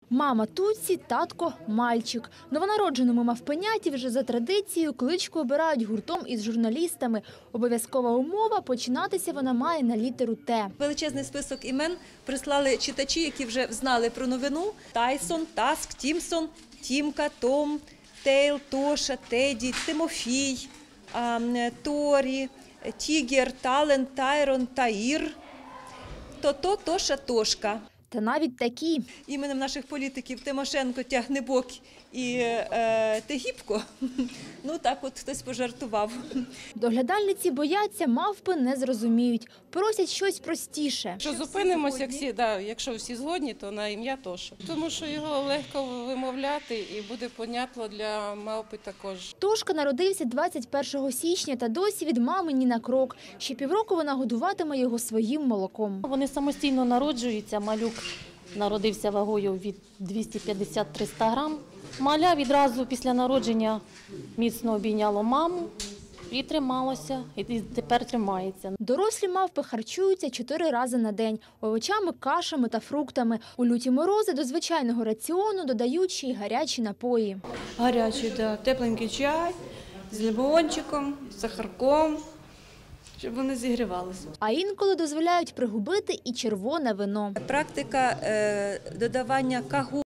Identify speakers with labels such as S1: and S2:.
S1: Мама Туці, татко Мальчик. Новонародженому мавпеняті вже за традицією кличку обирають гуртом із журналістами. Обов'язкова умова – починатися вона має на літеру Т.
S2: Величезний список імен прислали читачі, які вже знали про новину. Тайсон, Таск, Тімсон, Тімка, Том, Тейл, Тоша, Теді, Тимофій, Торі, Тігер, Тален, Тайрон, Таїр, Тото, Тоша, Тошка.
S1: Та навіть такі.
S2: Іменем наших політиків Тимошенко, Тягнебок і Тегібко, ну так от хтось пожартував.
S1: Доглядальниці бояться, мавпи не зрозуміють. Просять щось простіше.
S3: Що зупинимося, якщо всі згодні, то на ім'я Тоша. Тому що його легко вимовляти і буде понятно для мавпи також.
S1: Тошка народився 21 січня та досі від мами ні на крок. Ще півроку вона годуватиме його своїм молоком.
S4: Вони самостійно народжуються. Малюк народився вагою від 250-300 грам. Маля відразу після народження міцно обійняло маму і трималося, і тепер тримається.
S1: Дорослі мавпи харчуються 4 рази на день – овочами, кашами та фруктами. У люті морози до звичайного раціону додають ще й гарячі напої.
S5: Гарячий, да, тепленький чай з лимончиком, з сахарком, щоб вони зігрівалися.
S1: А інколи дозволяють пригубити і червоне вино.
S2: Практика додавання кагу